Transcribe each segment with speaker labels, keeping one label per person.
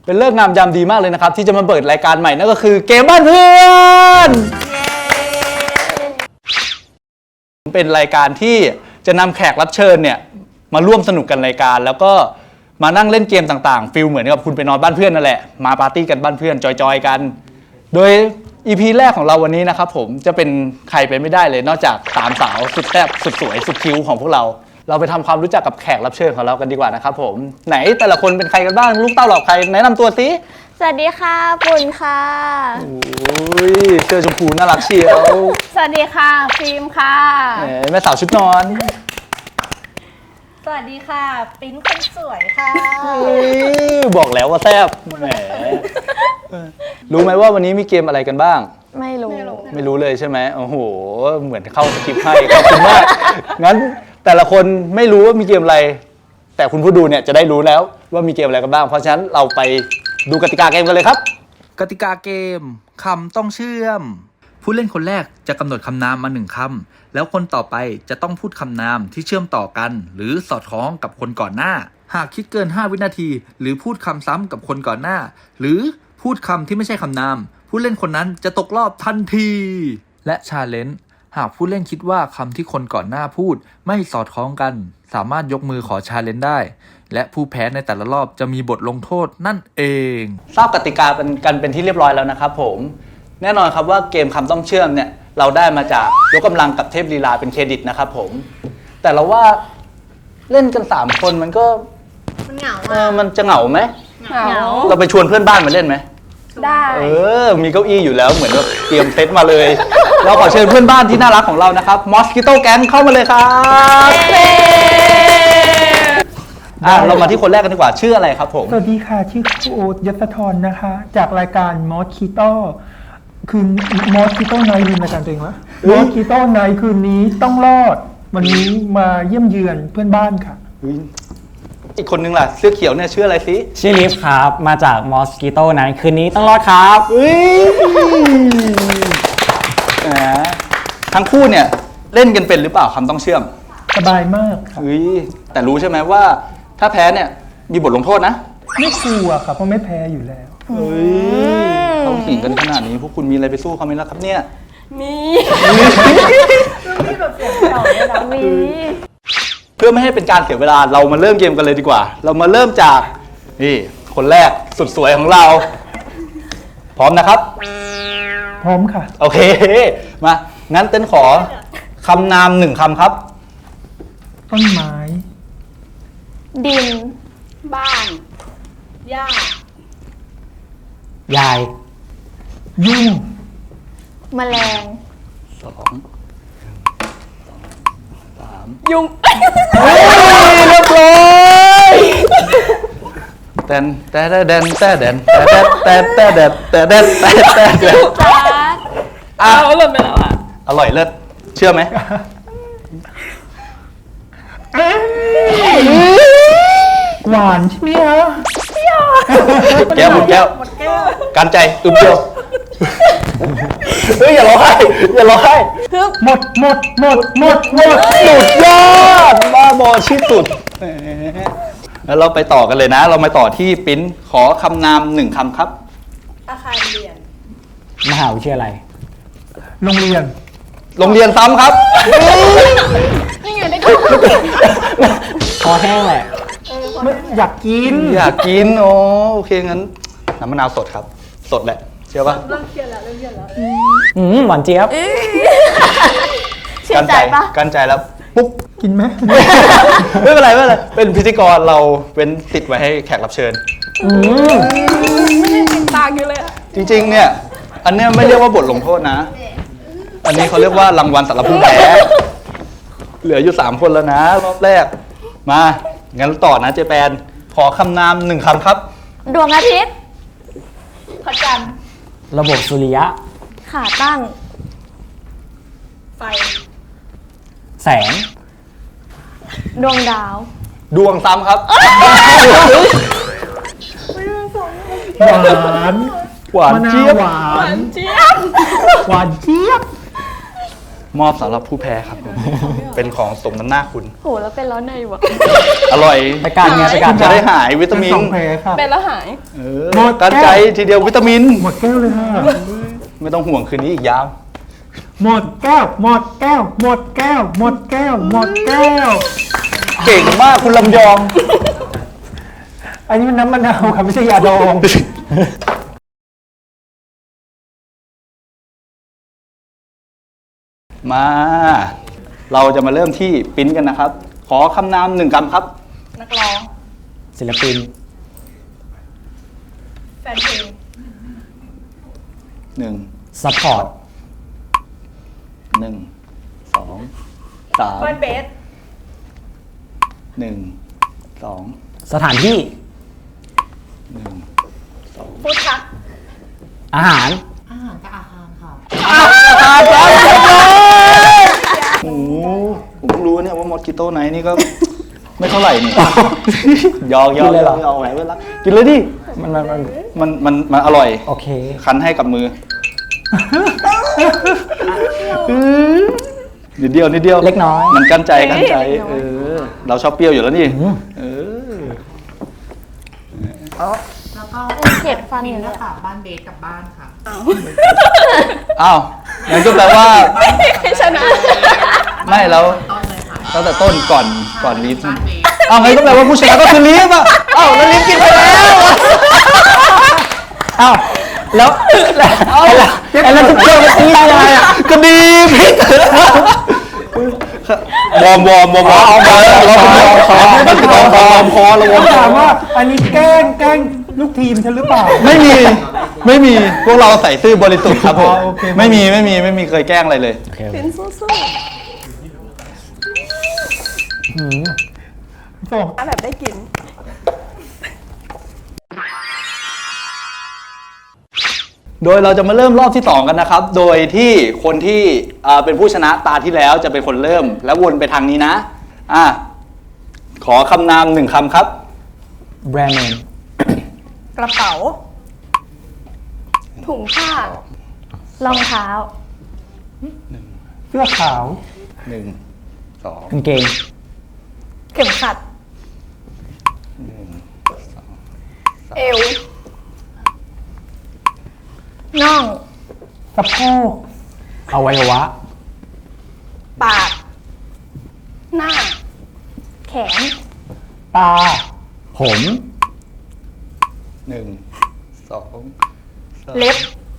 Speaker 1: เป็นเลิกงามยามดีมากเลยนะครับที่จะมาเปิดรายการใหม่นั่นก็คือเกมบ้านเพื่อนเป็นรายการที่จะนำแขกรับเชิญเนี่ยมาร่วมสนุกกันรายการแล้วก็มานั่งเล่นเกมต่างๆฟีลเหมือนกับคุณไปนอนบ้านเพื่อนนั่นแหละมาปาร์ตี้กันบ้านเพื่อนจอยๆกันโดย EP แรกของเราวันนี้นะครับผมจะเป็นใครไปไม่ได้เลยนอกจาก3 สาวสุดแซ่บสุดสวยสุดคิ้วของพวกเราไปทำความรู้จักกับแขกรับเชิญของเรากันดีกว่านะครับผมไหนแต่ละคนเป็นใครกันบ้างลูกเต้าเหล่าใครแนะนำตัวสิ
Speaker 2: สวัสดีค่ะปุ่นค่ะ
Speaker 1: โอ้ยเสื้อชมพูน่ารักเชียว
Speaker 2: สวัสดีค่ะฟิล์มค่ะ
Speaker 1: แม่สาวชุดนอน
Speaker 2: สวัสดีค่ะปิ๊นคนสวยค่ะ
Speaker 1: บอกแล้วว่าแซ่บแหมรู้ไหมว่าวันนี้มีเกมอะไรกันบ้าง
Speaker 2: ไม่
Speaker 1: รู้เลยใช่ไหมโอ้โหเหมือนเข้าสคริปต์ให้ขอบคุณมากงั้นแต่ละคนไม่รู้ว่ามีเกมอะไรแต่คุณผู้ดูเนี่ยจะได้รู้แล้วว่ามีเกมอะไรกันบ้างเพราะฉะนั้นเราไปดูกติกาเกมกันเลยครับ
Speaker 3: กติกาเกมคำต้องเชื่อมผู้เล่นคนแรกจะกำหนดคำนามมา1 คำแล้วคนต่อไปจะต้องพูดคำนามที่เชื่อมต่อกันหรือสอดคล้องกับคนก่อนหน้าหากคิดเกิน5 วินาทีหรือพูดคำซ้ำกับคนก่อนหน้าหรือพูดคำที่ไม่ใช่คำนามผู้เล่นคนนั้นจะตกรอบทันทีและชาเลนจ์หากผู้เล่นคิดว่าคำที่คนก่อนหน้าพูดไม่สอดคล้องกันสามารถยกมือขอชาเลนจ์ได้และผู้แพ้ในแต่ละรอบจะมีบทลงโทษนั่นเอง
Speaker 1: ทราบกติกากันเป็นที่เรียบร้อยแล้วนะครับผมแน่นอนครับว่าเกมคำต้องเชื่อมเนี่ยเราได้มาจากยกกำลังกับเทพลีลาเป็นเครดิตนะครับผมแต่เราว่าเล่นกัน3 คนมันก็
Speaker 2: เหงา
Speaker 1: มันจะเหงาไหม
Speaker 2: เหงา
Speaker 1: เราไปชวนเพื่อนบ้านมาเล่นไหม
Speaker 2: ได้
Speaker 1: มีเก้าอี้อยู่แล้วเหมือนแบบเตรียมเซตมาเลยเราขอเชิญเพื่อนบ้านที่น่ารักของเรานะครับ Mosquito Gang เข้ามาเลยครับเรามาที่คนแรกกันดีกว่าชื่ออะไรครับผม
Speaker 4: สวัสดีค่ะชื่อครูโอ๊ตยศธรนะคะจากรายการ Mosquito คือ Mosquito Night ลืมรายการตัวเองวะ Mosquito Night คืนนี้ต้องรอดวันนี้มาเยี่ยมเยือนเพื่อนบ้านค่ะ
Speaker 1: อีกคนนึงล่ะเสื้อเขียวเนี่ยชื่ออะไรสิ
Speaker 5: ชื่อลิฟครับมาจาก Mosquito Night คืนนี้ต้องรอดครับ
Speaker 1: ทั้งคู่เนี่ยเล่นกันเป็นหรือเปล่าคำต้องเชื่อม
Speaker 4: สบายมากค่ะ
Speaker 1: แต่รู้ใช่ไหมว่าถ้าแพ้เนี่ยมีบทลงโทษนะ
Speaker 4: ไม่กลัวค่ะเพราะไม่แพ้อยู่แล้ว
Speaker 1: ต้องขิงกันขนาดนี้พวกคุณมีอะไรไปสู้เขาไหมล่ะครับเนี่ย
Speaker 2: มีแบบเสียงเก่าเลยนะมี
Speaker 1: เพื่อไม่ให้เป็นการเสียเวลาเรามาเริ่มเกมกันเลยดีกว่าเรามาเริ่มจากนี่คนแรกสุดสวยของเราพร้อมนะครับ
Speaker 4: พร้อมค่ะ
Speaker 1: โอเคมางั้นเต้นขอคำนาม1 คำครับ
Speaker 4: ต้นไม้
Speaker 2: ดินบ้านหญ้
Speaker 5: ยาย
Speaker 4: ยุ่ง
Speaker 2: แมลง
Speaker 1: ยุงเรียบร้อยแตนแต่แดนแต่แดนแต่แดนแต่แดนแต่แดน
Speaker 2: เอาหล่นไปแล้วอ่ะ
Speaker 1: อร่อยเลิศเชื่อไหม
Speaker 4: หวานใช่ไหมฮะ
Speaker 1: แก้วหมดแก้วการใจอึมเดียวอย่าร้องไห้หมดสุดยอดบ้าบอที่สุดแล้วเราไปต่อกันเลยนะเรามาต่อที่ปิ้นขอคำนาม1 คำครับ
Speaker 2: อาคารเรียน
Speaker 5: มหาวิทยาลัย
Speaker 4: โรงเรี
Speaker 1: ยนซ้ำครับ
Speaker 2: นี่ไงได้ถูก
Speaker 5: คอแห้งแหละ
Speaker 4: อยาก
Speaker 1: กินโอเคงั้นน้ำมะนาวสดครับสดแหละเชื่อป่ะ
Speaker 2: เริ่มเครียดแล้ว
Speaker 5: หวานเจี๊ยบ
Speaker 1: กันใจแล้วปุ๊บ
Speaker 4: กินไหม
Speaker 1: ไม่เป็นไรเป็นพิธีกรเราเป็นติดไว้ให้แขกรับเชิญ
Speaker 2: ไม่ได้ติดตาอยู่เลย
Speaker 1: จริงๆเนี่ยอันเนี้ยไม่เรียกว่าบทลงโทษนะอันนี้เขาเรียกว่ารางวัลสำหรับผู้แพ้เหลืออยู่3 คนแล้วนะรอบแรกมางั้นต่อนะเจแปนขอคำนาม1 คำครับ
Speaker 2: ดวงอาทิตย์พระจันทร์
Speaker 5: ระบบสุริยะ
Speaker 2: ขาตั้งไฟ
Speaker 5: แสง
Speaker 2: ดวงดาว
Speaker 1: ดวงซ้ำครับ
Speaker 4: หวานเจี๊ยบ
Speaker 1: หวานเจี๊ยบมอบสำหรับผู้แพ้ครับผมเป็นของสมน้ำหน้าคุณ
Speaker 6: โหแล้วเป็นแล้วในวะ
Speaker 1: อร่อย
Speaker 5: ไปการไงไปการ
Speaker 1: จะได้หายวิตามิน
Speaker 4: สองแผลค่ะ
Speaker 6: เป็นแล้วหาย
Speaker 4: หมดแก้ว
Speaker 1: การใจทีเดียววิตามิน
Speaker 4: หมดแก้วเลยค่ะ
Speaker 1: ไม่ต้องห่วงคืนนี้อีกยาว
Speaker 4: หมดแก้ว หมดแก้ว หมดแก้ว หมดแก้ว หมดแก้ว
Speaker 1: เก่งมากคุณลำยอง
Speaker 4: อันนี้มันน้ำมะนาวค่ะไม่ใช่ยาดอง
Speaker 1: มา เราจะมาเริ่มที่ปิ้นกันนะครับ ขอคำนาม1 คำครับ
Speaker 2: นักร้อง
Speaker 5: ศิลปิน
Speaker 2: แฟนเพลง
Speaker 1: 1
Speaker 5: ซัพพอร์ต
Speaker 1: 1 2
Speaker 2: เฟิร์น
Speaker 1: 3
Speaker 2: เบส
Speaker 1: 1 2
Speaker 5: สถานที่
Speaker 2: ฟู้ดทัก
Speaker 5: อาหาร
Speaker 1: โอ้โหผมเพิ่งรู้เนี่ยว่ามอสกิโต้ไนท์นี่ก็ ไม่เท่าไหร่นี่ ยอก
Speaker 5: กินเลยเหรอ
Speaker 1: ยอกแหวนเวลากินเลยดิ มันอร่อย
Speaker 5: โอเค
Speaker 1: คั้นให้กับมือนิดเดียว
Speaker 5: เล็กน้อย
Speaker 1: มันกั้นใจเราชอบเปรี้ยวอยู่แล้วนี่เออ
Speaker 6: แล้วก็เข็ดฟันอยู่เนี่ย
Speaker 7: บ้านเบสกับบ้านค่ะ
Speaker 1: อ้าวงั้นก็แปลว่า
Speaker 6: ใครชนะ
Speaker 1: ไม่แล้ว
Speaker 7: ต้นเลยค่ะ
Speaker 1: ตั้งแต่ต้นก่อนลิฟต์
Speaker 7: บ้านเบส
Speaker 1: อ้าวงั้นก็แปลว่าผู้ชนะก็คือลิฟต์อ่ะอ้าวแล้วลิฟต์กินไปแล้ว
Speaker 5: อ้าวแล้วแล้วทุกเรื่องมันตียังไงอ่ะ
Speaker 1: ก็ดีพิษวอร์มเราคอเราวอร์ม
Speaker 4: ถามว่าอันนี้แกล้งลูกทีมฉันหรือเปล่า
Speaker 1: ไม่มีพวกเราใส่ซื่อบริสุทธิ์ครับผม
Speaker 4: โอเค
Speaker 1: ไม่มีเคยแกล้งอะไรเลย
Speaker 6: เป็นสู้
Speaker 4: ส่ง
Speaker 6: ๆแบบได้กิน
Speaker 1: โดยเราจะมาเริ่มรอบที่ 2 กันนะครับ โดยที่คนที่เป็นผู้ชนะตาที่แล้วจะเป็นคนเริ่ม แล้ววนไปทางนี้นะขอคำนาม1 คำครับ
Speaker 5: แบรนด์เนม
Speaker 2: กระเป๋า
Speaker 6: ถุงผ้าร
Speaker 2: องเท้า
Speaker 4: เสื้อขาว
Speaker 1: 1 2
Speaker 5: กางเกง
Speaker 2: เข็มขัด
Speaker 6: เอว
Speaker 2: น่อง
Speaker 4: สะโพก
Speaker 5: อวัยวะ
Speaker 2: ปาก
Speaker 6: หน้า
Speaker 2: แขน
Speaker 4: ตา
Speaker 5: ผม
Speaker 1: 1 2
Speaker 2: เล็บ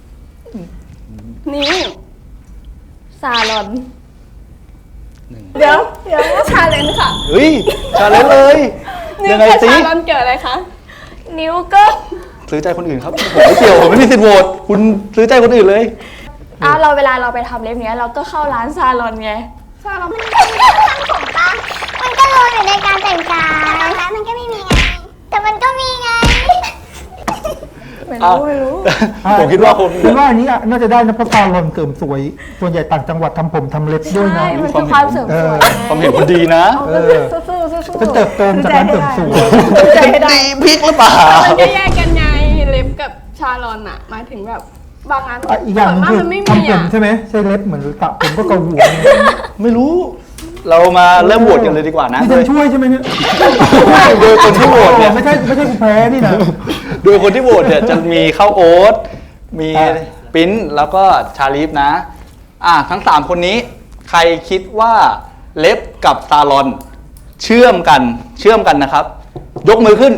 Speaker 6: นิ้ว
Speaker 2: ซาลอน
Speaker 6: เดี๋ยวชาเลนจ์ค่ะ
Speaker 1: เฮ้ยชาเลนจ์เลย
Speaker 6: นิ้
Speaker 1: ยั
Speaker 6: ว
Speaker 1: งไง
Speaker 6: กับ
Speaker 1: สิ
Speaker 6: ชาลอนเกิดอะไรคะ
Speaker 2: นิ้วก็
Speaker 1: ซื้อใจคนอื่นครับผมไม่เกี่ยวผมไม่มีสิทธิ์โหวตคุณซื้อใจคนอื่นเลย
Speaker 6: เราเวลาเราไปทำเล็บเนี้ยเราก็เข้าร้านซาลอนไงซาลอน
Speaker 8: มันก็รออยู่ในการแต่งกายนะคะมันก็ไม่มีไง แต่มันก็มีไง
Speaker 6: ไม่รู้
Speaker 1: ผมคิดว่าคน
Speaker 4: คิดว่าอันนี้น่าจะได้นะเพราะซาลอนเสริมสวย ส่วนใหญ่ต่างจังหวัดทำผมทำเล็บด้วยนะ
Speaker 6: ใช่มันคือความเสริมสวยไง
Speaker 1: ความเห็นคุณดีนะ
Speaker 4: เออ
Speaker 6: สู้ๆ
Speaker 4: เป็นเติบโตมาจากร้านเสริมสวย
Speaker 6: ใจให้ได้
Speaker 1: พริกหรือเปล่า
Speaker 6: มันก็แยกกันไงเล็บกับชาลอนอะหมายถึงแบบบางอัน
Speaker 4: อีกอย่างหนึง
Speaker 6: ส่วนมาก
Speaker 4: คือ
Speaker 6: มันไม่มี
Speaker 4: ทำผม
Speaker 6: อะ
Speaker 4: ใช่ไหมใช่เล็บเหมือนตัดผมก็เกาหัวไง
Speaker 1: ไม่รู้ เรามาเริ่มโหวตกันเลยดีกว่านะ
Speaker 4: นี่ฉันช่วยใช่ไหมเนี่ย
Speaker 1: โดยคนที่โหวตเนี่ย
Speaker 4: ไม่ใช่กูแพ้นี่นะ
Speaker 1: โดยคนที่โหวตเนี่ยจะมีข้าวโอ๊ตมี
Speaker 4: อ่ะ
Speaker 1: ปิ้นแล้วก็ชาลีฟนะทั้ง 3 คนนี้ใครคิดว่าเล็บกับซาลอนเชื่อมกันนะครับ ยกมือขึ้น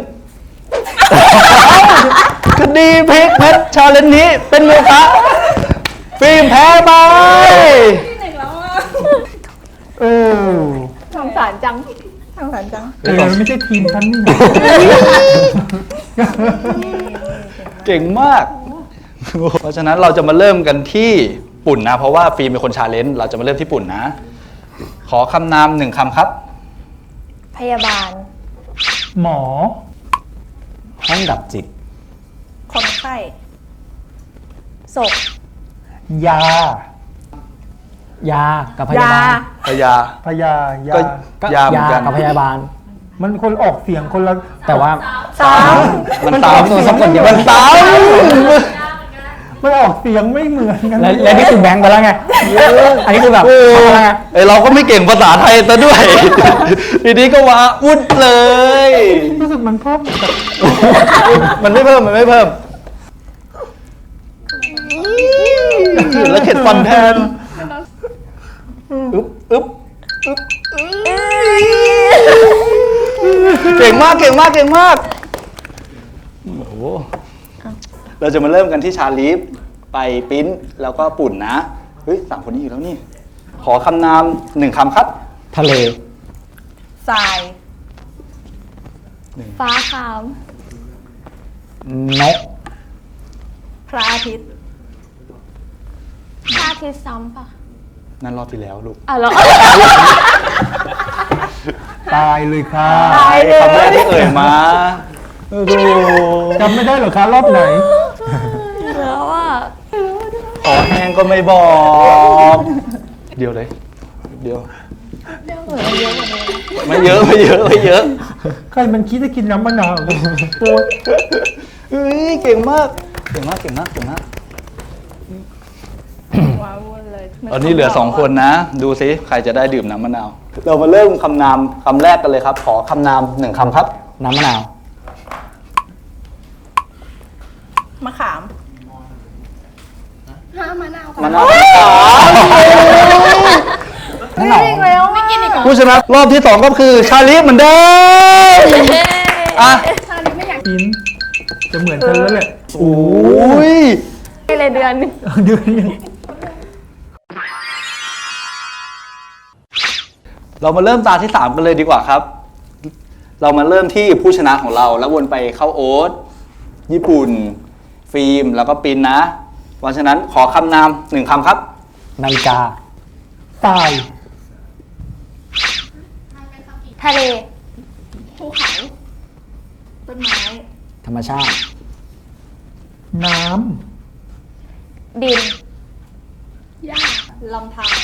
Speaker 1: คดีพลิกเพชรชาเลนจ์นี้เป็นโมฆะฟิล์มแพ้ไป
Speaker 4: เออ
Speaker 6: สงสารจัง
Speaker 4: เออไม่ใช่ทีมฉันนี่นะ
Speaker 1: เก่งมาก เพราะฉะนั้นเราจะมาเริ่มกันที่ปุ่นนะ เพราะว่าฟิล์มเป็นคนชาเลนจ์เราจะมาเริ่มที่ปุ่นนะ ขอคำนาม1 คำครับ
Speaker 2: พยาบาล
Speaker 4: หมอ
Speaker 5: ห้องดับจิต
Speaker 2: คนไข้ศพ
Speaker 4: ยา
Speaker 5: ยากับพยาบาล
Speaker 1: พยา
Speaker 4: พยา
Speaker 1: ก็
Speaker 4: ยา
Speaker 5: ก็
Speaker 1: ยาเหมือนกัน
Speaker 5: กับพยาบาล
Speaker 4: มันคนออกเสียงคนละ
Speaker 5: แต่ว่า
Speaker 1: มันสาม
Speaker 5: ตัวสะกดเดียว
Speaker 1: มันสาม
Speaker 4: มันออกเสียงไม่เหมือนกัน
Speaker 5: แล้วนี่คือแบงค์ไปแล้วไงอันนี้คือแบบทำอะไรไง
Speaker 1: ไอเราก็ไม่เก่งภาษาไทยซะด้วย ทีนี้ก็ว้าวุ่นเลย
Speaker 4: รู้สึกมันเพิ่มแบบ
Speaker 1: มันไม่เพิ่มแล้วเข็ดฟันแทนอึ๊บเก่งมากโอ้โหเราจะมาเริ่มกันที่ชาลีฟไปปิ้นแล้วก็ปุ่นนะเฮ้ย3 คนนี้อยู่แล้วนี่ ขอคำนาม1 คำครับ
Speaker 5: ทะเล
Speaker 2: ทราย
Speaker 6: ฟ้าขาว
Speaker 5: นก
Speaker 2: พระอาทิตย์
Speaker 6: พระอาทิตย์ซ้ำปะ
Speaker 1: นั่นรอบที่แล้วลูก
Speaker 6: เหรอ
Speaker 4: ตายเลยค่ะ
Speaker 1: คำแรกที่เอ่ยมาดู
Speaker 4: จำไม่ได้เหรอคะรอบไหน
Speaker 6: แล้วอ่ะ
Speaker 1: ขอแห้งก็ไม่บอก เดียวเลย เดียวไม่เยอะ
Speaker 4: ใครมันคิดจะกินน้ำมะนาวโอ๊ย
Speaker 1: เฮ้ยเก่งมาก
Speaker 2: ว้าวุ่นเลย
Speaker 1: ตอนนี้เหลือ2 คนนะ ดูซิใครจะได้ดื่มน้ำมะนาว เรามาเริ่มคำนามคำแรกกันเลยครับ ขอคำนาม1 คำครับ
Speaker 5: น้ำมะนาว
Speaker 2: มะขาม
Speaker 1: มะนาว
Speaker 5: นั่นหรอ
Speaker 1: ผู้ชนะรอบที่ 2 ก็คือชาลีฟเหมือนเดิมอ่ะ
Speaker 4: กินจะเหมือนกันแล้วแหละ
Speaker 1: โอ้ย
Speaker 6: ไม่เลยเดือนหนึง
Speaker 4: เดือนหนึง
Speaker 1: เรามาเริ่มตาที่ 3 กันเลยดีกว่าครับ เรามาเริ่มที่ผู้ชนะของเราแล้ววนไปเข้าโอ๊ตญี่ปุ่น ฟิล์มแล้วก็ปินนะเพราะฉะนั้นขอคำนาม1 คำครับ
Speaker 5: นาฬิกา
Speaker 4: ตาย
Speaker 6: ทะเล
Speaker 2: ภูเขา ต้นไม้
Speaker 5: ธรรมชาติ
Speaker 4: น้
Speaker 6: ดิน
Speaker 2: หญ้าลำธาร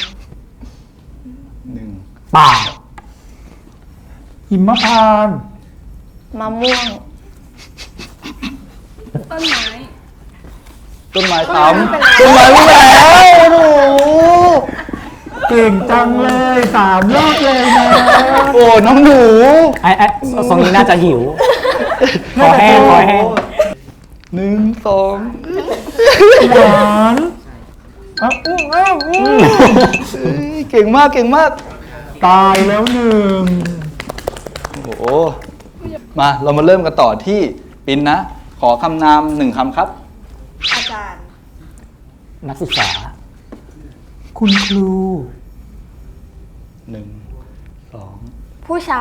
Speaker 1: 1
Speaker 5: ป่า
Speaker 4: ำหิมพานต์
Speaker 6: มะม่วง
Speaker 2: ต้นไม้
Speaker 1: ต้นไม้ซ้ำต้นไม้ไม่แล้วโอ้โห
Speaker 4: เก่งจังเลย3 รอบเลยนะ
Speaker 1: โอ้น้องหนู
Speaker 5: ไอ้ทรงนี้น่าจะหิว ขอแห้ง
Speaker 1: 1 2
Speaker 4: หวานอ้าวอู้อ้าวอู้
Speaker 1: เก่งมาก
Speaker 4: ตายแล้ว1
Speaker 1: โอ้โหมาเรามาเริ่มกันต่อที่ปินนะ ขอคำนาม1 คำครับ
Speaker 2: อาจารย์
Speaker 5: นักศึกษา
Speaker 4: คุณครู
Speaker 1: 1 2
Speaker 6: ผู้ชาย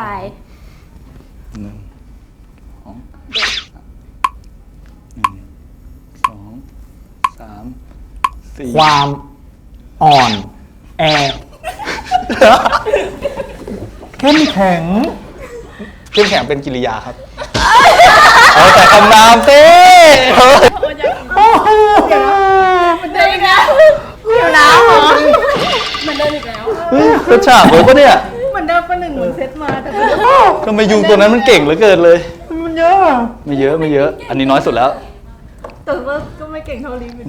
Speaker 1: 4
Speaker 5: ความอ่อน แอ
Speaker 4: เข้มแข็ง
Speaker 1: เข้มแข็งเป็นกิริยาครับ เอาแต่คำนามสิ
Speaker 2: มันเดินอีกแล้ว
Speaker 6: อยู่น้ำเหรอ
Speaker 2: มันเดินอีกแล้ว
Speaker 1: เฮ้ยกระฉากเลยปะเนี่ย
Speaker 2: เหมือนเดิมประหนึ่งเหมือนเซตมาแต่เป็น
Speaker 1: ทำไมยุงตัวนั้นมันเก่งเหลือเกินเลย
Speaker 4: มันเยอะอะ
Speaker 1: ไม่เยอะ อันนี้น้อยสุดแล้ว
Speaker 2: แต่ว่าก็ไม่เก่งเท่าลิฟต์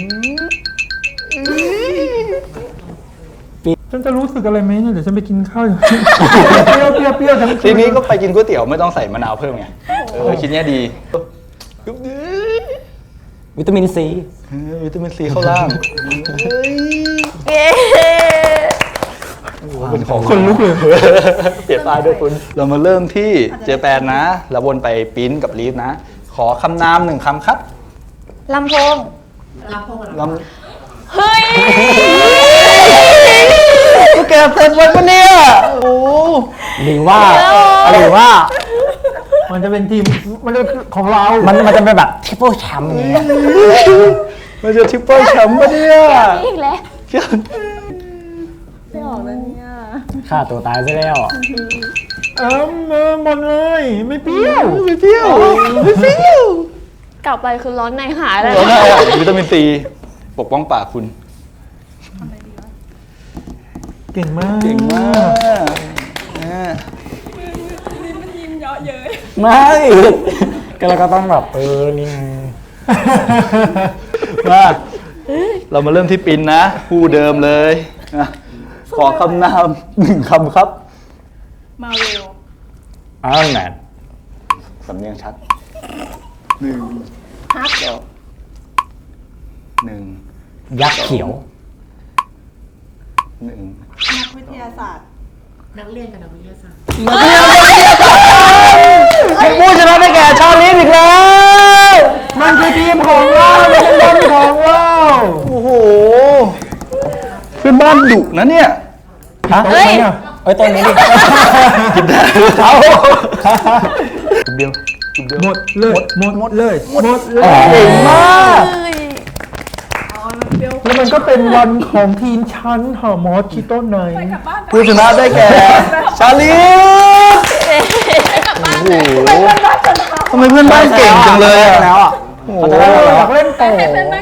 Speaker 4: ฉันจะรู้สึกอะไรไหมเนี่ยเดี๋ยวฉันไปกินข้าว เปรี้ยวทั้งคื
Speaker 1: ทีนี้ก็ไปกินก๋วยเตี๋ยวไม่ต้องใส่มะนาวเพิ่มไงคิดเนี้ยดี
Speaker 5: วิตามินซี
Speaker 1: วิตามินซีเข้าล่าง
Speaker 6: เย้
Speaker 1: เป็นของ
Speaker 4: คนลุกเลย
Speaker 1: เปลี่ยนป้ายด้วยคุณ เรามาเริ่มที่เจแปนนะ แล้ววนไปปิ้นกับลีฟนะ ขอคำนาม1 คำครับ
Speaker 6: ลำโพง
Speaker 1: ล
Speaker 6: เฮ้ย
Speaker 1: ำกูแกเสร็จวันปะเนี่ย โอ้
Speaker 5: หรือว่า
Speaker 4: มันจะเป็นทีมมันจะของเรา
Speaker 5: มันจะเป็นแบบทริปเปิลแชมป์อย่างเงี้ย
Speaker 1: มันจะทริปเปิลแชมป์ปะเนี่ย
Speaker 6: อีกแล้ว
Speaker 2: ไม่ออกแล้วเนี่ย
Speaker 5: ฆ่าตัวตายซะแล้ว
Speaker 4: หมดเลยไม่เปรี้ยว
Speaker 1: ไม่เปรี้ยว
Speaker 6: กลับไปคือร้อนในหายเลย
Speaker 1: เราได้อะวิตามินซีปกป้องปากคุณ
Speaker 4: เก่งมาก
Speaker 1: เก่งมาก
Speaker 5: ไม่ ก็เราก็ต้องแบบนี่ไง
Speaker 4: ให้
Speaker 1: มาเรามาเริ่มที่ปินนะคู่เดิมเลยนะขอคำนาม1คำครับ
Speaker 2: มาเวล
Speaker 5: ไอรอนแมน
Speaker 1: สำเนียงชัด
Speaker 2: ฮัก
Speaker 1: 1
Speaker 5: ยักษ์เขียว
Speaker 1: 1
Speaker 2: นักวิทยาศาสตร์
Speaker 7: นักเรียนกับนักวิทยาศาสตร์
Speaker 5: ผู้ชนะได้แก่ชาลีอีกแล้ว
Speaker 4: มันคือทีมของเรามันคือทีมของเรา
Speaker 1: โอ้โหเพื่อนบ้านดุนะเนี่ย
Speaker 5: ฮะ
Speaker 4: เฮ้ย
Speaker 5: เอ้ยตัวนี้ดิ
Speaker 1: กินได้
Speaker 5: เอา
Speaker 1: เดียว
Speaker 4: หมดเลยหมดเลยหมดเลย
Speaker 5: เก่งมาก
Speaker 4: แล้วมันก็เป็นวันของทีมชั้นหอมอสคิโต้ไนท์
Speaker 1: ผู้ชนะได้แก่ ชาลีโอ้โหทำไมเพื่อนบ้านเก่งจังเลยอะ
Speaker 5: แล้วอ่ะ
Speaker 1: โอ้โห
Speaker 4: เราอยากเล่นต่อ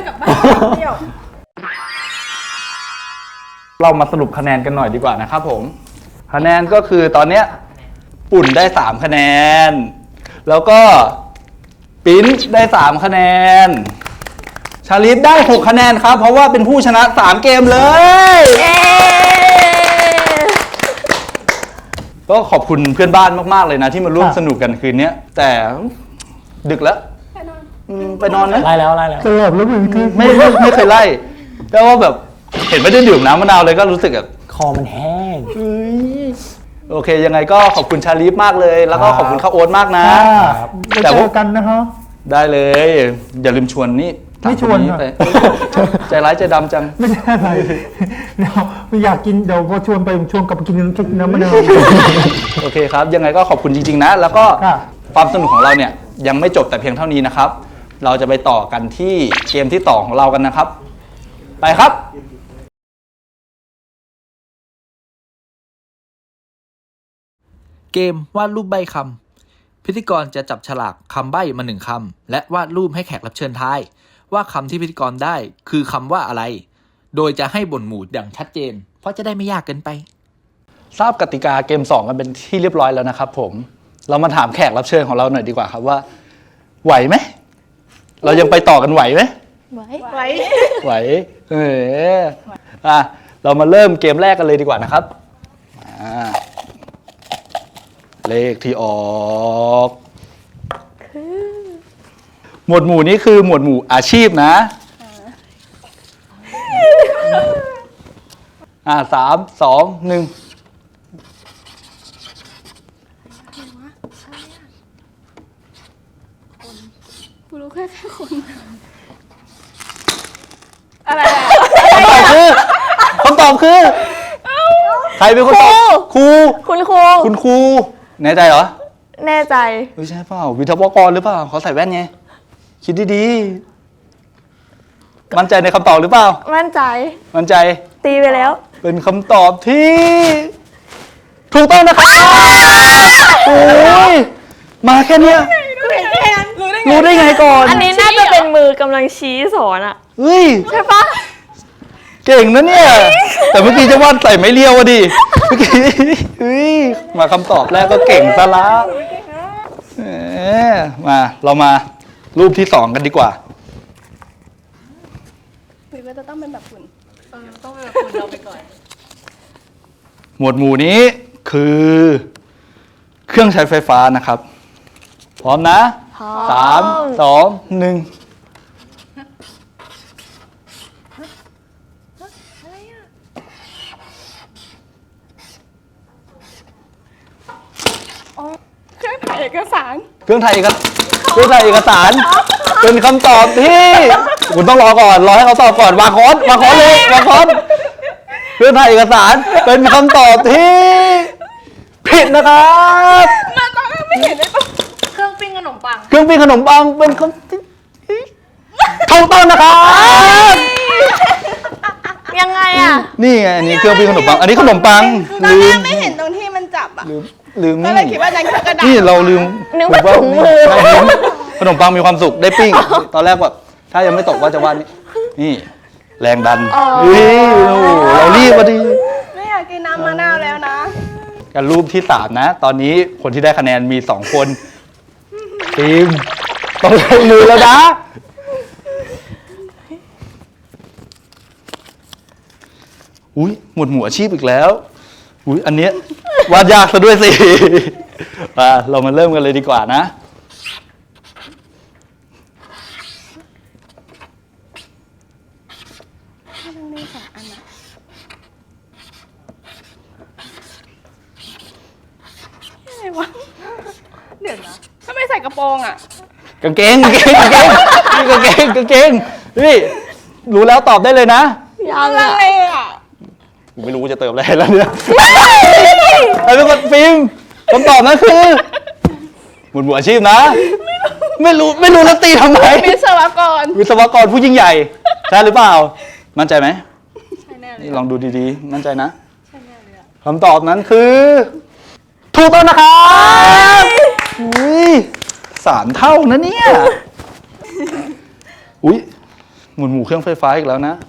Speaker 1: เรามาสรุปคะแนนกันหน่อยดีกว่านะครับผม คะแนนก็คือตอนเนี้ยปุ่นได้3คะแนน แล้วก็ปิ้นได้3คะแนน ชาลิฟได้6คะแนนครับ เพราะว่าเป็นผู้ชนะ3เกมเลย ก็ขอบคุณเพื่อนบ้านมากๆเลยนะที่มาร่วมสนุกกันคืนนี้แต่ดึกแล้วไปนอนนะ
Speaker 5: ไล่แล้วไล่แล้ว
Speaker 4: สลับแล้วมือคือ
Speaker 1: ไม่เคยไล่แต่ว่าแบบเห็นไม่ได้ดื่มน้ำมะนาวเลยก็รู้สึกแบบ
Speaker 5: คอมันแห้ง
Speaker 1: โอเค ยังไงก็ขอบคุณชาลีฟมากเลย แล้วก็ขอบคุณข้าวโอ๊ตมากนะ
Speaker 4: ไป
Speaker 1: แต่
Speaker 4: เจ
Speaker 1: ว่า
Speaker 4: อกันนะฮะ
Speaker 1: ได้เลย อย่าลืมชวนนี่
Speaker 4: ไม่ชวน
Speaker 1: ตา
Speaker 4: ค่ะ
Speaker 1: ไปใจร้ายใจดำจัง
Speaker 4: ไม่ได้อะไรเดี๋ยวไม่อยากกินเดี๋ยวพอชวนไปผมชวนกลับไปกินน้ำมะนาว
Speaker 1: โอเคครับ ยังไงก็ขอบคุณจริงๆนะ แล้วก็
Speaker 4: ค่ะ
Speaker 1: ความสนุกของเราเนี่ยยังไม่จบแต่เพียงเท่านี้นะครับ เราจะไปต่อกันที่เกมที่2ของเรากันนะครับ ไปครับ
Speaker 3: เกมวาดรูปใบ้คำพิธีกรจะจับฉลากคำใบ้มา1คำและวาดรูปให้แขกรับเชิญทายว่าคำที่พิธีกรได้คือคำว่าอะไร โดยจะให้บ่นหมู่อย่างชัดเจน เพราะจะได้ไม่ยากเกินไป
Speaker 1: ทราบกติกาเกม2กันเป็นที่เรียบร้อยแล้วนะครับผม เรามาถามแขกรับเชิญของเราหน่อยดีกว่าครับว่า ไหวไหม เรายังไปต่อกันไหวไหม ไหวเรามาเริ่มเกมแรกกันเลยดีกว่านะครับเลขที่ออกหมวดหมู่นี้คือหมวดหมู่อาชีพนะ3 2 1
Speaker 6: กูรู้แค่คน
Speaker 1: คำตอบคือใครเป็นคนตอบครู
Speaker 6: คุณครู
Speaker 1: คุณครูแน่ใจเหรอ
Speaker 6: แน่ใจ
Speaker 1: ไม่ใช่เปล่าวิทยากรหรือเปล่าเขาใส่แว่นไงคิดดีๆมั่นใจในคำตอบหรือเปล่า
Speaker 6: มั่นใจ
Speaker 1: มั่นใจ
Speaker 6: ตีไปแล้ว
Speaker 1: เป็นคำตอบที่ถูกต้องนะครับโอ้ยมาแค่เนี้ยรู้ได้ไงก่อน
Speaker 6: อันนี้น่าจะเป็นมือกำลังชี้สอนอะ
Speaker 1: เฮ้ย
Speaker 6: ใช่ปะ
Speaker 1: เก่งนะเนี่ย แต่เมื่อกี้จะวาดใส่ไม่เลี้ยวอะดิเมื่อกี้เฮ้ยมาคำตอบแรกก็เก่งซะละมาเรามารูปที่2กันดีกว่า
Speaker 6: หรือว่าจะต้องเป็นแบบคุณ
Speaker 2: ต้องเป็นคุณเราไปก่อน
Speaker 1: หมวดหมู่นี้คือเครื่องใช้ไฟฟ้านะครับ พร้อมนะ 3 2 1
Speaker 6: เครื่องถ่ายเอกสาร
Speaker 1: เครื่องถ่ายเอกสาร เป็นคำตอบที่คุณต้องรอก่อนรอให้เขาตอบก่อนวางค้อนเลยเครื่องถ่ายเอกสารเป็นคำตอบที่ผิดนะครับ
Speaker 2: เครื่องปิ้งขนมปัง
Speaker 1: เครื่องปิ้งขนมปังเป็นคำที่ถูกต้องนะครับ
Speaker 6: ยังไงอะ
Speaker 1: นี่ไงอันนี้เครื่องปิ้งขนมปัง อันนี้ขนมปังลืม
Speaker 2: ไม่เห็นตรงที่มันจับอ่ะ
Speaker 1: ลืม
Speaker 2: ก็
Speaker 1: นี่
Speaker 2: เลยคิดว่าจะคือกระดาษ
Speaker 1: นี่เราลืม
Speaker 6: นึกว่าถุงมือ
Speaker 1: ใช่ลืมขนมปังมีความสุขได้ปิ้ง ตอนแรกแบบถ้ายังไม่ตกว่าจะวาดนี่แรงดันโอ้โหเรารีบพอดี
Speaker 2: ไม่อยากกินน้ำมะนาวแล้วนะ
Speaker 1: กันรูปที่3นะ ตอนนี้คนที่ได้คะแนนมี2คนทีมต้องลงมือแล้วนะอุ้ยหมวดหมู่อาชีพอีกแล้วอุ้ยอันเนี้ยวาดยากซะด้วยสิ เรามาเริ่มกันเลยดีกว่านะ
Speaker 2: เดี๋ยวนะ
Speaker 6: ถ้าไม่ใส่กระโปรงอ่ะ
Speaker 1: กางเกงนี่กางเกงนี่รู้แล้วตอบได้เลยนะ
Speaker 6: ยังไงอ่ะ
Speaker 1: กูไม่รู้จะเติมอะไรแล้วเนี่ยไอ้เป็นคนฟิล์มคำตอบนั่นคือหมวดหมู่อาชีพนะ ไม่รู้แล้วตีทำไม
Speaker 6: วิศวกร
Speaker 1: วิศวกรผู้ยิ่งใหญ่ใช่หรือเปล่า มั่นใจไหม
Speaker 2: ใช่แน่เลย
Speaker 1: นี่ลองดูดีๆ มั่นใจนะคำตอบนั้นคือ ถูกต้องนะครับอุ้ย3 เท่านะเนี่ยอุ้ยหมุนหมู่เครื่องไฟฟ้าอีกแล้วนะ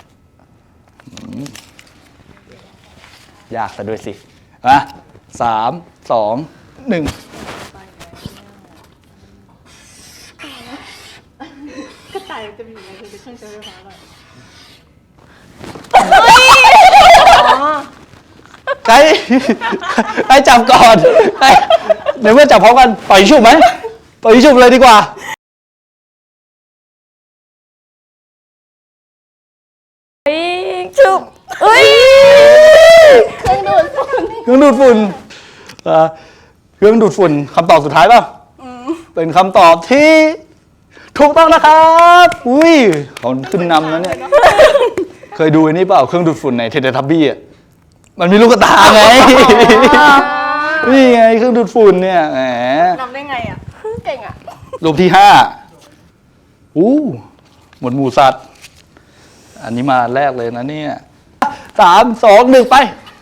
Speaker 1: ยากซะด้วยสิอ่ะ3 2 1
Speaker 2: กระต่ายจะมีอะไรคือเครื่องใช้ไฟฟ้าแบบ
Speaker 1: ใครจับก่อนเดี๋ยวเมื่อจับพร้อมกันปล่อยชุบไหมปล่อยชุบเลยดีกว่า
Speaker 6: จุบเอ้ยเครื่องดูดฝุ่น
Speaker 1: เครื่องดูดฝุ่นเครื่องดูดฝุ่นคำตอบสุดท้ายป่ะเป็นคำตอบที่ถูกต้องนะครับอุ้ยเขาขึ้นนำแล้วเนี่ยเคยดูอันนี้เปล่าเครื่องดูดฝุ่นในเทเลทับบี้อ่ะมันมีลูกตาไงนี่ไงเครื่องดูดฝุ่นเนี่ยแหม
Speaker 2: นำได้ไงอ่ะ
Speaker 6: เก่งอ่ะ
Speaker 1: รูปที่5หมวดหมู่สัตว์ อันนี้มาแรกเลยนะเนี่ย3 2 1 ไป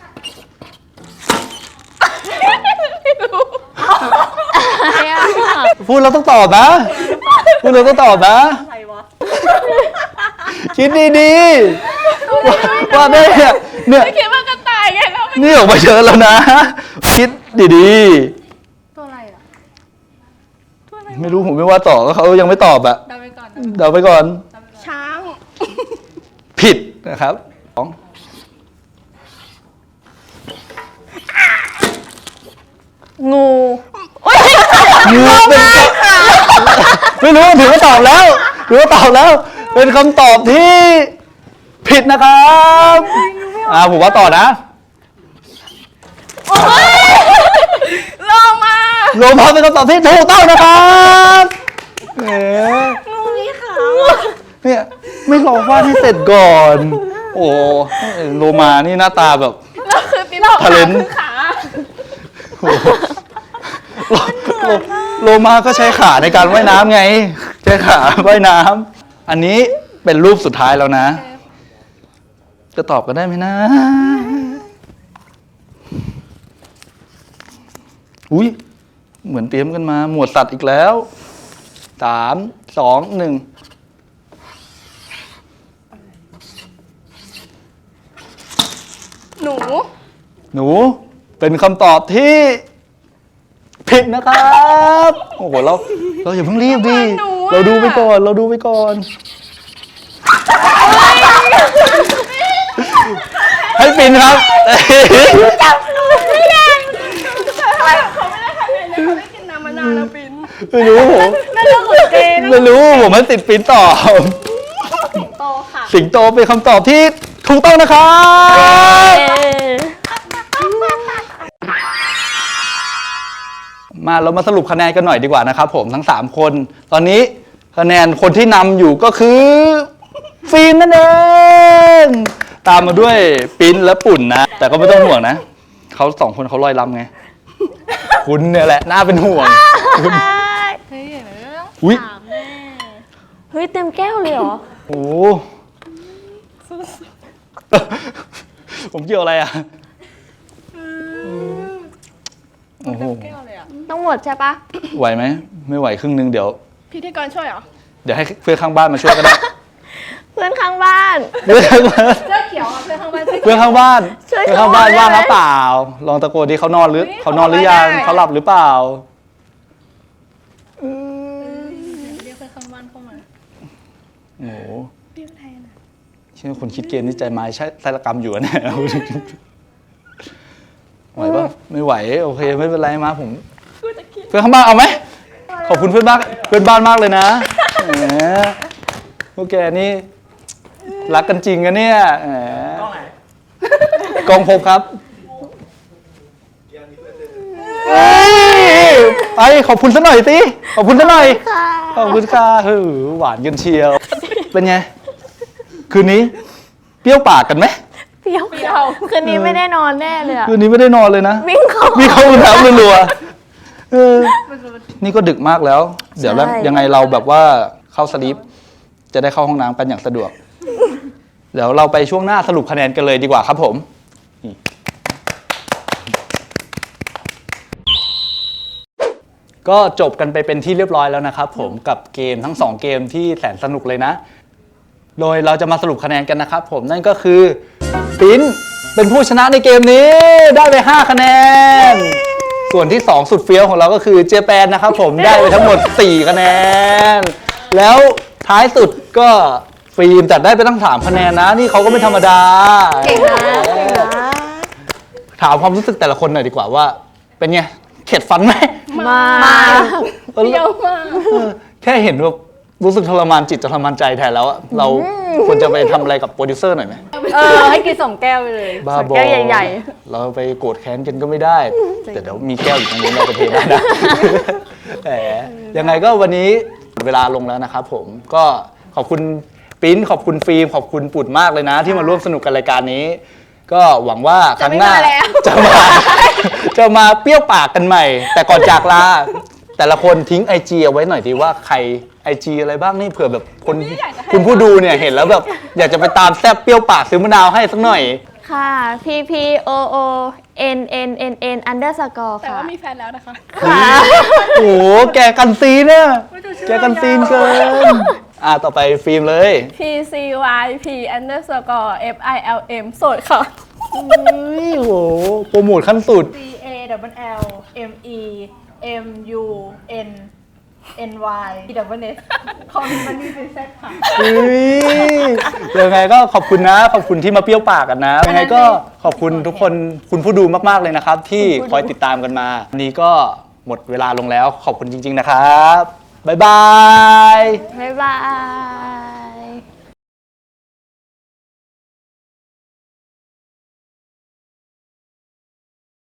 Speaker 1: พูดเราต้องตอบนะ พูดเราต้องตอบนะ
Speaker 2: อะไรวะ
Speaker 1: คิดดีๆว่าได้เนี่ย
Speaker 6: คิดว่ากระต่ายไงแล้ว
Speaker 1: นี่ออกมาเยอะแล้วนะ คิดดี
Speaker 2: ตัวอะไรอ่ะ
Speaker 1: ๆ ไม่รู้ผมไม่ว่าต่อก็เขายังไม่ตอบอะ
Speaker 2: เดาไปก่อน
Speaker 1: เดาไปก่อน
Speaker 6: ช้าง
Speaker 1: ผิดนะครับ
Speaker 6: งู
Speaker 1: งูเป็นไม่รู้ถือว่าตอบแล้วถือว่าตอบแล้ว เป็นคำตอบที่ผิดนะครับผมว่าต่อนะ
Speaker 6: โลมา
Speaker 1: โลมาเป็นคำตอบที่ถูกต้องนะครับงูมีขาเนี่ยไม่รอวาดให้เสร็จก่อน โอ้โลมานี่หน้าตาแบบ
Speaker 6: แล้วคือปีนออก
Speaker 1: ทะเลน
Speaker 6: คือขา
Speaker 1: โลมาก็ใช้ขาในการว่ายน้ำไง ใช้ขาว่ายน้ำอันนี้เป็นรูปสุดท้ายแล้วนะ จะตอบกันได้ไหมนะ อุ้ยเหมือนเตรียมกันมา หมวดสัตว์อีกแล้ว3 2 1
Speaker 6: หนู
Speaker 1: หนูเป็นคำตอบที่ผิดนะครับ โอ้โหเราอย่าเพิ่งรีบดิเราดูไปก่อน ให้ปินครับ
Speaker 6: เขาไม่ได้ทำอะไรเลยเขาได้กินน้ำมะนาวแล้วปิน
Speaker 1: ไม่รู้ผมไม่รู้ผมให้ติดปินตอบ
Speaker 2: โตค่ะ
Speaker 1: สิงโตเป็นคำตอบที่ถูกต้องนะครับ มาเรามาสรุปคะแนนกันหน่อยดีกว่านะครับผมทั้ง3คนตอนนี้คะแนนคนที่นำอยู่ก็คือฟิล์มนั่นเองตามมาด้วยปิ้นและปุ่นนะ แต่ก็ไม่ต้องห่วงนะเขา2 คนเขาลอยลำไง คุณเนี่ยแหละน่าเป็นห่วงคุณ
Speaker 2: เฮ้ยเดี๋ยวเราต้อง
Speaker 1: อุ๊ย
Speaker 2: ถามแน่
Speaker 6: เฮ้ยเต็มแก้วเลยเหรอ
Speaker 1: โอ้โหผมเกี่ยวอะไรอ่ะโอ้โห
Speaker 2: แก้วเลยอ่ะ
Speaker 6: ต้องหมดใช่ปะ
Speaker 1: ไหวไหมไม่ไหวครึ่งนึงเดี๋ยว
Speaker 6: พิธีกรช่วยเหรอ
Speaker 1: เดี๋ยวให้เพื่อนข้างบ้านมาช่วยก็ได้
Speaker 6: เพื่อนข้างบ้าน
Speaker 1: เพื่อนข้างบ้าน
Speaker 2: เสื้อเขียวอ่ะเพื่อนข้างบ้าน
Speaker 1: เพื่อนข้างบ้าน
Speaker 6: ช่วย
Speaker 1: เพื่อนข้างบ้าน
Speaker 6: เขาได้ไหม
Speaker 1: ว่างหรือเปล่า ลองตะโกนที่เขานอนหรือ
Speaker 2: เฮ้ย
Speaker 1: เขานอนหรือยัง
Speaker 2: เขาไม่ได้
Speaker 1: เขาหลับหรือเปล่า
Speaker 2: เรียกเพื่อนข้างบ้านเข้ามา
Speaker 1: โอ้โหเชื่อคนคิดเกมนี่ใจไม้ใช่ไสารกรรมอยู่นะเนี่ย ไหวปะไม่ไหวโอเคไม่เป็นไรมาผมเพื่อนข้างบ้านเอาไหมขอบคุณเพื่อนบ้านมากเลยนะแหมพวกแกนี่รักกันจริงกันเนี่ยแหมกล้องไหนกล้องพบครับไปขอบคุณซะหน่อยสิขอบคุณซะหน่อยขอบคุณค่ะหวานกันเชียวเป็นไงคืนนี้เปรี้ยวปากกันไหม
Speaker 6: เปรี้ยวคืนนี้ไม่ได้นอนแน่เลยอะ
Speaker 1: คืนนี้ไม่ได้นอนเลยนะ
Speaker 6: วิ่งเข้า
Speaker 1: วิ่งเข้าห้องน้ำรัวๆนี่ก็ดึกมากแล้ว เดี๋ยวแล้ว
Speaker 6: ใช่
Speaker 1: ยังไงเราแบบว่าเข้าสลีปจะได้เข้าห้องน้ำกันอย่างสะดวก เดี๋ยวเราไปช่วงหน้าสรุปคะแนนกันเลยดีกว่าครับผมนี่ก็จบกันไปเป็นที่เรียบร้อยแล้วนะครับผมกับเกมทั้ง2เกมที่แสนสนุกเลยนะ โดยเราจะมาสรุปคะแนนกันนะครับผมนั่นก็คือปิ้นเป็นผู้ชนะในเกมนี้ได้ไป5คะแนน ส่วนที่2สุดเฟี้ยวของเราก็คือเจแปนนะครับผมได้ไปทั้งหมด4คะแนนแล้วท้ายสุดก็ฟิล์มจัดได้ไปตั้ง3คะแนนนะนี่เขาก็ไม่ธรรมดา
Speaker 6: เก่งนะเก่งนะ
Speaker 1: ถามความรู้สึกแต่ละคนหน่อยดีกว่าว่า เป็นไงเข็ดฟันไหม
Speaker 6: มา
Speaker 1: เปรี้ยวมากแค่เห็นว่ารู้สึกทรมานจิตทรมานใจแทนแล้วอะเราควรจะไปทำอะไรกับโปรดิวเซอร์หน่อยไหม
Speaker 6: ให้กิน2 แก้วไปเลย
Speaker 1: บ้า
Speaker 6: 2
Speaker 1: บอ
Speaker 6: แก้วใหญ่
Speaker 1: เราไปโกรธแค้นกันก็ไม่ได้แต่เดี๋ยวมีแก้วอยู่ตรงนี้เราจะเทได้นะ แหมยังไงก็วันนี้เวลาลงแล้วนะครับผมก็ขอบคุณปิ้นขอบคุณฟิล์มขอบคุณปุดมากเลยนะ ที่มาร่วมสนุกกันรายการนี้ ก็หวังว่าครั้งหน้าจะมาเปรี้ยวปากกันใหม่ แต่ก่อนจากลาแต่ละคนทิ้ง IG เอาไว้หน่อยดีว่าใคร IG อะไรบ้างนี่เผื่อแบบคนคุณผู้ดูเนี่ยเห็นแล้วแบบอยากจะไปตามแซบเปรี้ยวปากซื้อมะนาวให้สักหน่อย
Speaker 6: ๆ ค่ะ PPOONNNN underscore
Speaker 2: แต่
Speaker 6: ค่ะ
Speaker 2: ว่ามีแฟนแล้วนะคะ
Speaker 1: โอ้โหแกกันซีนเนี่ยแกกันซีนเกินต่อไปฟิล์มเลย
Speaker 2: PCYP underscore FILM โสดค่ะ
Speaker 1: โอ้โหโปรโมทขั้นสุด
Speaker 2: CALLMEMUNNY คอมมันนี่เป็นเซตค่ะ
Speaker 1: ยังไงก็ขอบคุณนะขอบคุณที่มาเปรี้ยวปากกันนะยังไงก็ขอบคุณทุกคนคุณผู้ดูมากๆเลยนะครับ ที่คอยติดตามกันมาวันนี้ก็หมดเวลาลงแล้วขอบคุณจริงๆนะครับบ๊ายบาย
Speaker 6: บ๊ายบาย